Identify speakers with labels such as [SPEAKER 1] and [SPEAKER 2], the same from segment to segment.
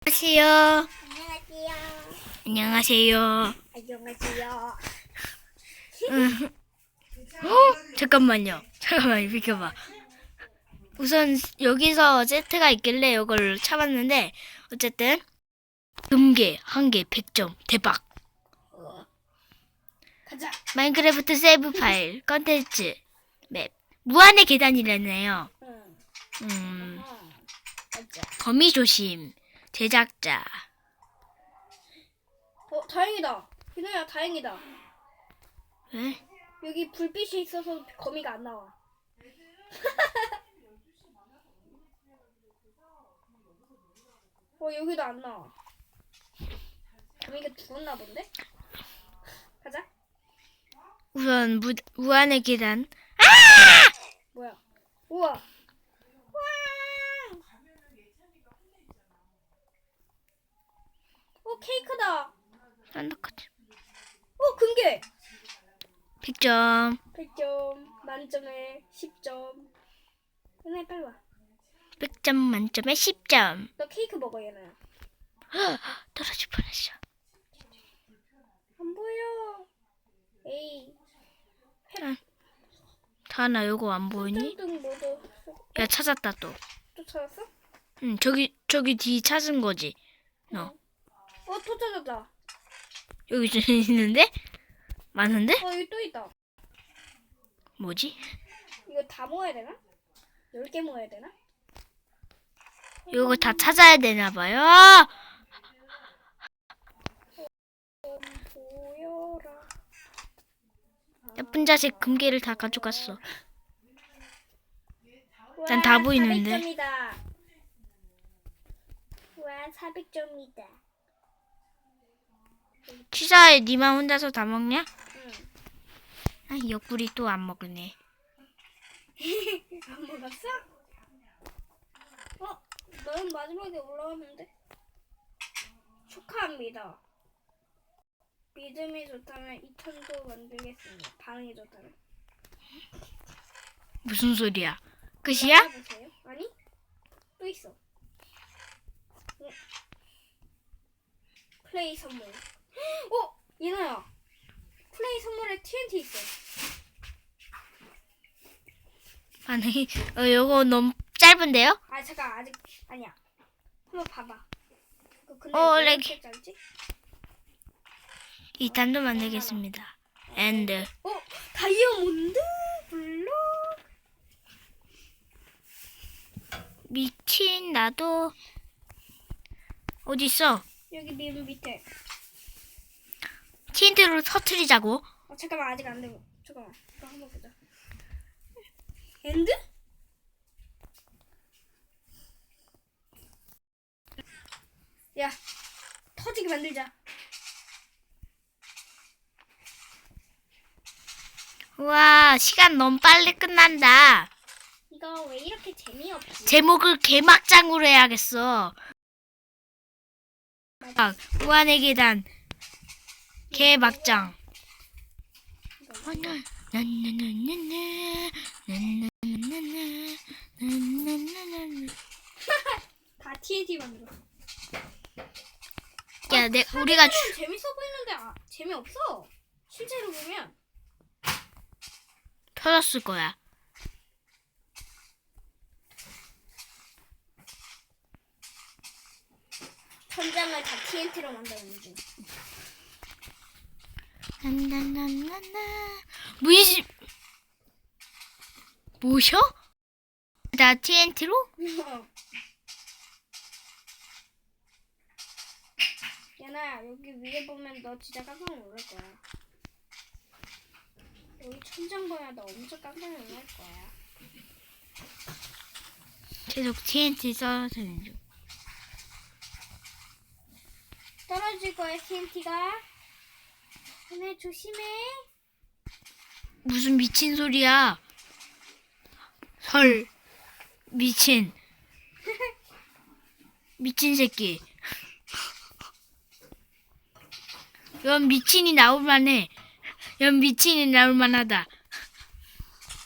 [SPEAKER 1] 안녕하세요.
[SPEAKER 2] 안녕하세요.
[SPEAKER 1] 안녕하세요.
[SPEAKER 2] 안녕하세요.
[SPEAKER 1] 잠깐만요. 비켜봐. 우선 여기서 세트가 있길래 이걸 참았는데 어쨌든 금괴 한 개 100점 대박.
[SPEAKER 2] 가자.
[SPEAKER 1] 마인크래프트 세이브 파일 컨텐츠 맵 무한의 계단이라네요.
[SPEAKER 2] 응. 가자.
[SPEAKER 1] 거미 조심 제작자.
[SPEAKER 2] 다행이다. 희노야, 다행이다.
[SPEAKER 1] 왜?
[SPEAKER 2] 여기 불빛이 있어서 거미가 안 나와. 여기도 안 나와. 거미가 죽었나 본데? 가자.
[SPEAKER 1] 우선 무한의 계단.
[SPEAKER 2] 뭐야? 우와. 와. 케이크다.
[SPEAKER 1] 썬더커트
[SPEAKER 2] 금괴.
[SPEAKER 1] 100점.
[SPEAKER 2] 100점. 만점에 10점. 얘네 빨리 와.
[SPEAKER 1] 100점 만점에 10점.
[SPEAKER 2] 너 케이크 먹어, 얘네.
[SPEAKER 1] 떨어질 뻔했어.
[SPEAKER 2] 안 보여. 에이.
[SPEAKER 1] 다나 요거 안 보이니?
[SPEAKER 2] 등 모두.
[SPEAKER 1] 야 찾았다 또.
[SPEAKER 2] 또 찾았어?
[SPEAKER 1] 응 저기 뒤 찾은 거지. 너
[SPEAKER 2] 또 찾았다.
[SPEAKER 1] 여기 좀 있는데? 많은데?
[SPEAKER 2] 여기 또 있다.
[SPEAKER 1] 뭐지?
[SPEAKER 2] 이거 다 모아야 되나? 10개 모아야 되나?
[SPEAKER 1] 요거 다 찾아야 되나 봐요.
[SPEAKER 2] 보여라.
[SPEAKER 1] 나쁜 자식 금괴를 다 가져갔어. 난 다 보이는데.
[SPEAKER 2] 400점이다. 와, 400점이다.
[SPEAKER 1] 취사에 니만 혼자서 다 먹냐?
[SPEAKER 2] 응.
[SPEAKER 1] 아, 옆구리 또 안 먹으네.
[SPEAKER 2] 안 먹었어? 너는 마지막에 올라왔는데? 축하합니다. 믿음이 좋다면 2,000도 만들겠습니다. 반응이 좋다면.
[SPEAKER 1] 무슨 소리야? 끝이야?
[SPEAKER 2] 보세요. 아니? 또 있어. 응. 플레이 선물. 예나야. 플레이 선물에 TNT 있어.
[SPEAKER 1] 반응이 요거 너무 짧은데요?
[SPEAKER 2] 잠깐 아직 아니야. 한번 봐봐. 근데 왜
[SPEAKER 1] 렉.
[SPEAKER 2] 이렇게 짧지?
[SPEAKER 1] 2탄도 만들겠습니다. 엔드.
[SPEAKER 2] 다이아몬드 블록.
[SPEAKER 1] 미친 나도 어디 있어?
[SPEAKER 2] 여기 밑에.
[SPEAKER 1] TNT로 터트리자고.
[SPEAKER 2] 잠깐만 아직 안 되고. 잠깐만. 이거 한번 보자. 엔드? 야, 터지게 만들자.
[SPEAKER 1] 우와, 시간 너무 빨리 끝난다.
[SPEAKER 2] 이거 왜 이렇게 재미없지?
[SPEAKER 1] 제목을 개막장으로 해야겠어. 무한의 계단 개막장.
[SPEAKER 2] 다 TNT 만들어.
[SPEAKER 1] 야, 우리가
[SPEAKER 2] 재밌어 보이는데 재미없어. 실제로 보면.
[SPEAKER 1] 터졌을 거야.
[SPEAKER 2] 천장을 다 TNT로 만드는 중.
[SPEAKER 1] 무이시 뭐셔? 나 TNT로?
[SPEAKER 2] 얘나야, 여기 위에 보면 너 진짜 깜짝 놀랄 거야. 여기 천장 보면 너 엄청 깜짝 놀랄 거야.
[SPEAKER 1] 계속 TNT 떨어지는 중.
[SPEAKER 2] 떨어질 거야, TNT가. 얘네 조심해.
[SPEAKER 1] 무슨 미친 소리야? 헐, 미친 새끼. 연 미친이 나올만해. 연 미친이 나올만하다.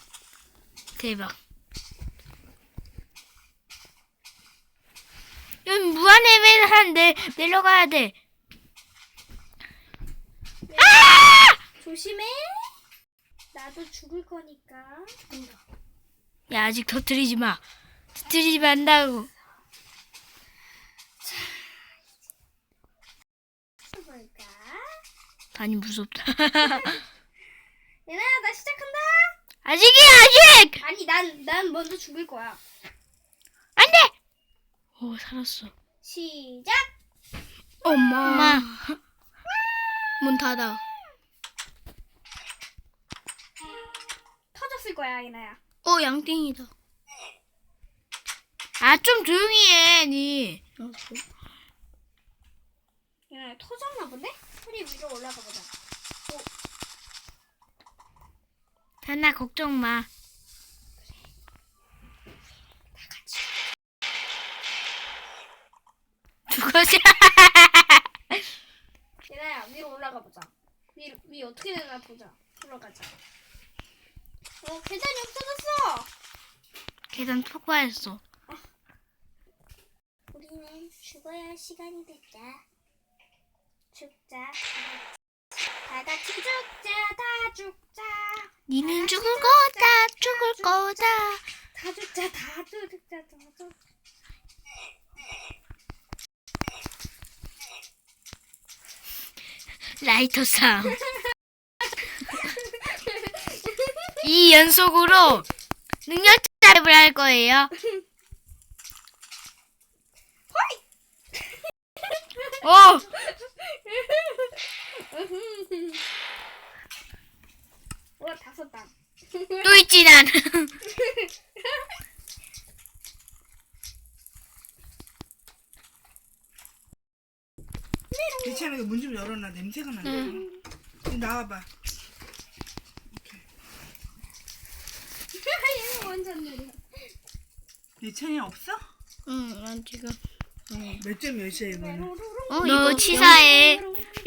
[SPEAKER 1] 대박. 야, 무한해배를 하는데 내려가야 돼.
[SPEAKER 2] 조심해. 나도 죽을 거니까.
[SPEAKER 1] 야, 아직 터뜨리지 마. 터뜨리지 말라고.
[SPEAKER 2] 볼까?
[SPEAKER 1] 많이 무섭다.
[SPEAKER 2] 얘나야, 나 시작한다.
[SPEAKER 1] 아직이야, 아직!
[SPEAKER 2] 아니, 난 먼저 죽을 거야.
[SPEAKER 1] 안 돼! 오, 살았어.
[SPEAKER 2] 시작.
[SPEAKER 1] 엄마.
[SPEAKER 3] 문 닫아.
[SPEAKER 2] 터졌을 거야, 얘나야.
[SPEAKER 3] 양띵이다.
[SPEAKER 1] 아, 좀 조용히 해, 니.
[SPEAKER 2] 얘나야, 터졌나 본데? 우리 위로 올라가 보자.
[SPEAKER 1] 다나 걱정 마. 죽었어.
[SPEAKER 2] 얘나야, 위로 올라가 보자. 위 어떻게 되나 보자. 올라가자. 계단이 없어졌어.
[SPEAKER 1] 계단 폭파했어.
[SPEAKER 2] 우리는 죽어야 할 시간이 됐다. 죽자. 다 같이 죽자. 다 죽자.
[SPEAKER 1] 니는 죽을 거다, 죽을 거다.
[SPEAKER 2] 다 죽자. 다 죽자. 다 죽자.
[SPEAKER 1] 라이터 싸움. 이 연속으로 능력자 랩을 할 거예요. 오!
[SPEAKER 2] 와, 5단.
[SPEAKER 1] 또 있지, 난.
[SPEAKER 4] 괜찮아. 문 좀 열어놔. 냄새가 나네. 이리 나와봐.
[SPEAKER 2] 얘는 완전 느려.
[SPEAKER 4] 예찬이 없어?
[SPEAKER 3] 난 지금
[SPEAKER 4] 몇 점 몇이야 이거는?
[SPEAKER 1] 이거 치사해.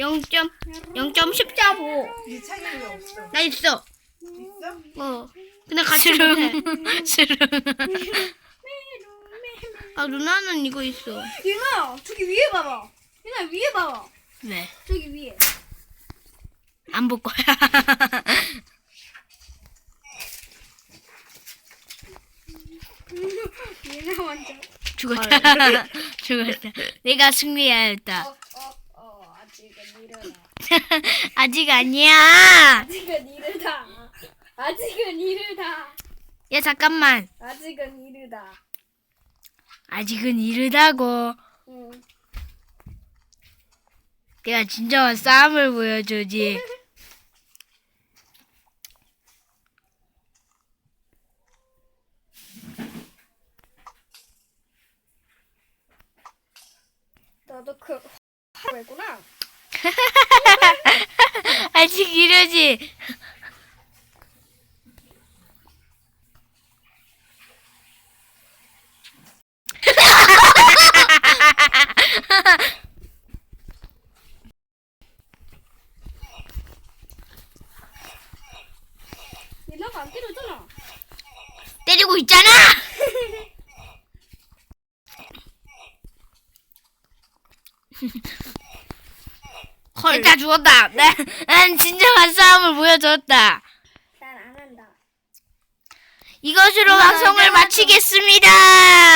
[SPEAKER 3] 0.14보.
[SPEAKER 4] 예찬이 왜 없어?
[SPEAKER 3] 나 있어.
[SPEAKER 4] 있어?
[SPEAKER 3] 근데 같이 못해.
[SPEAKER 1] 스름.
[SPEAKER 3] 누나는 이거 있어.
[SPEAKER 2] 얘나, 저기 위에 봐봐. 얘나, 위에 봐봐.
[SPEAKER 1] 왜?
[SPEAKER 2] 저기 위에.
[SPEAKER 1] 안 볼 거야.
[SPEAKER 2] 얘나 완전.
[SPEAKER 1] 죽었다. 죽었다. 내가 승리하였다.
[SPEAKER 2] 아직은 이르다.
[SPEAKER 1] 아직 아니야.
[SPEAKER 2] 아직은 이르다. 아직은 이르다.
[SPEAKER 1] 야, 잠깐만.
[SPEAKER 2] 아직은 이르다.
[SPEAKER 1] 아직은 이르다고.
[SPEAKER 2] 응.
[SPEAKER 1] 내가 진정한 싸움을 보여주지.
[SPEAKER 2] 너도 그 왜구나.
[SPEAKER 1] 아직 이러지.
[SPEAKER 2] 얘나가 안 때려잖아.
[SPEAKER 1] 때리고 있잖아. 다 죽었다. 난 진정한 싸움을 보여줬다.
[SPEAKER 2] 난 안 한다.
[SPEAKER 1] 이것으로 방송을 마치겠습니다.